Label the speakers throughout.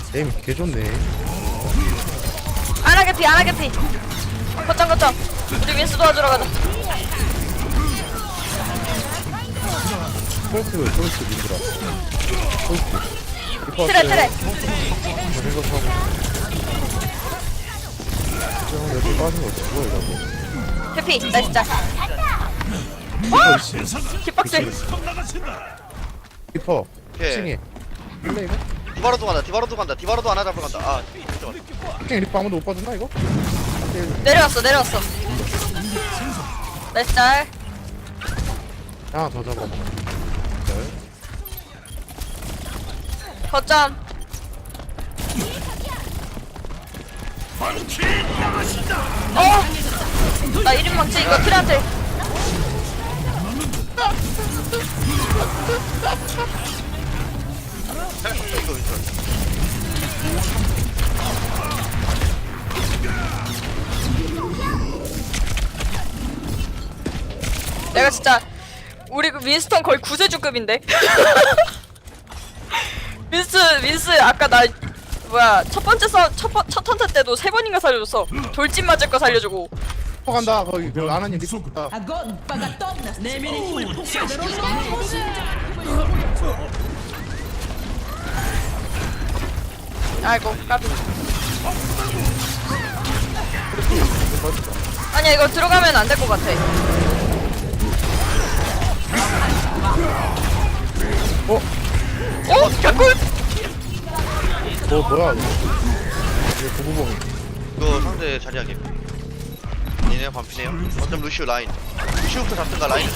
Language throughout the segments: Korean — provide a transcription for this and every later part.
Speaker 1: 에임 개좋네.
Speaker 2: 안 하겠지, 안 하겠지. 거점. 우리 윈스 도와주러 가자.
Speaker 1: 펄스 민들아. 펄스.
Speaker 2: 트레.
Speaker 1: 생각하고. 형 여기 빠진 거 죽어 이러고.
Speaker 2: 해피, 나이스 짤. 와! 킥박스.
Speaker 1: 리퍼.
Speaker 3: 오케이.
Speaker 1: 칭해. 근데 이거?
Speaker 3: 디바로도 간다. 디바로도 하나 잡으러 간다. 아, 진짜.
Speaker 1: 칭 리퍼 아무도 못 빠졌나 이거?
Speaker 2: 내려왔어. 나이스 짤.
Speaker 1: 하나 더 잡아.
Speaker 2: 거점. 나 1인 망치 이거 트레한테.
Speaker 3: 이거 있어.
Speaker 2: 내가 진짜 우리 그 윈스턴 거의 구세주급인데. 윈스 아까 나 뭐야 첫 턴트 때도 3번인가 살려줬어. 돌진 맞을 거 살려주고.
Speaker 1: 리퍼 간다. 거기 그 아나님 리퍼 갔다.
Speaker 4: Agora pagatona.
Speaker 2: 아이고 까비. 아니야 이거 들어가면 안 될 것 같아. 개꿀.
Speaker 1: 뭐야 이거? 이거 고부봉.
Speaker 3: 이거 상대 자리하게. 얘네 반피네요. 어쩜 루시오 라인. 루시오부터 잡든가 라인.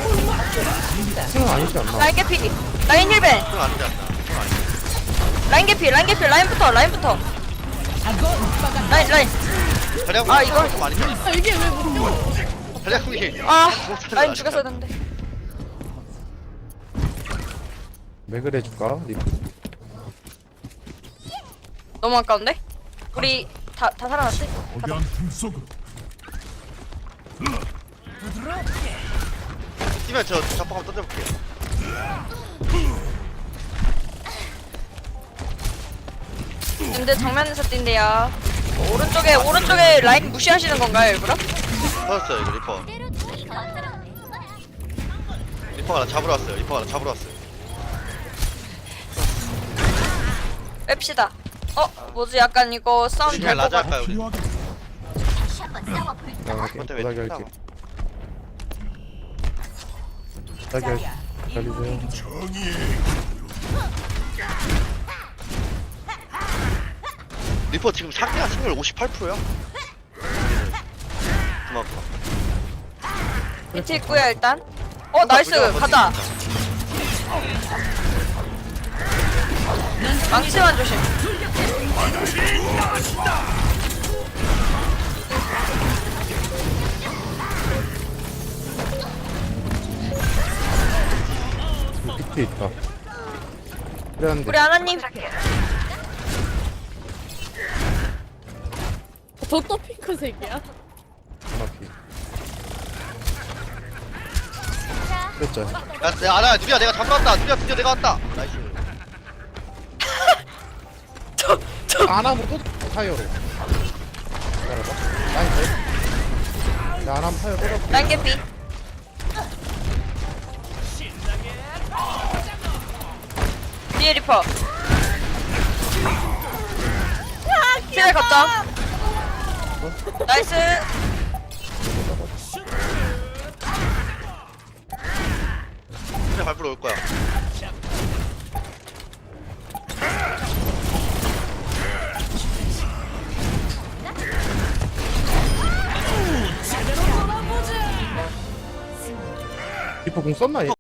Speaker 1: 칭은 아니지 않나?
Speaker 2: 라인 개피. 라인 힐벤.
Speaker 3: 그건 아니지 않나. 그건 아니지.
Speaker 2: 라인 개피. 라인부터. 라인.
Speaker 3: 자리하고
Speaker 2: 아, 이거?
Speaker 3: 좀 아니지 않나.
Speaker 4: 이게 왜 못?
Speaker 3: 자리하고 이게.
Speaker 2: 라인 죽였어야 했는데.
Speaker 1: 맥을 해줄까? 리퍼.
Speaker 2: 너무 아까운데? 우리 다 살아났지?
Speaker 5: 거대한 틈 속으로
Speaker 3: 뛰면 저 자폭 한번 던져볼게요.
Speaker 2: 근데 정면에서 뛴대요. 오른쪽에 라인 무시하시는 건가요, 일부러?
Speaker 3: 터졌어요 이거 리퍼. 리퍼가 나 잡으러 왔어요.
Speaker 2: 뺍시다. 뭐지? 약간 이거 싸움
Speaker 3: 우리
Speaker 2: 될
Speaker 3: 그냥
Speaker 2: 것
Speaker 3: 라자
Speaker 2: 같아.
Speaker 3: 할까요 우리?
Speaker 5: 필요하게
Speaker 1: 나 할게.
Speaker 3: 근데 왜
Speaker 1: 부탁이 할게.
Speaker 3: 튀나?
Speaker 1: 부탁이 할게. 기다리세요.
Speaker 3: 리퍼 지금 상대가 승률 58%야. 그만큼.
Speaker 2: 밑에 있고요, 일단. 나이스. 가자. 망치만 조심.
Speaker 1: 밑에 있다. 그래 한데.
Speaker 2: 우리 아나님.
Speaker 4: 저또 핑크색이야.
Speaker 1: 정확히. 그랬죠.
Speaker 3: 야, 알아, 누리야, 내가 잡으러 왔다. 누리야, 드디어 내가 왔다. 나이스.
Speaker 1: 아나무 또 타이어로. 기다려봐. 라인 돼? 야 아나무 타이어 또 잡고.
Speaker 2: 라인 개피. 뒤에 리퍼. 트레 걷자. 나이스.
Speaker 3: 그냥 밟으러 올 거야.
Speaker 1: 리퍼 공 썼나 얘?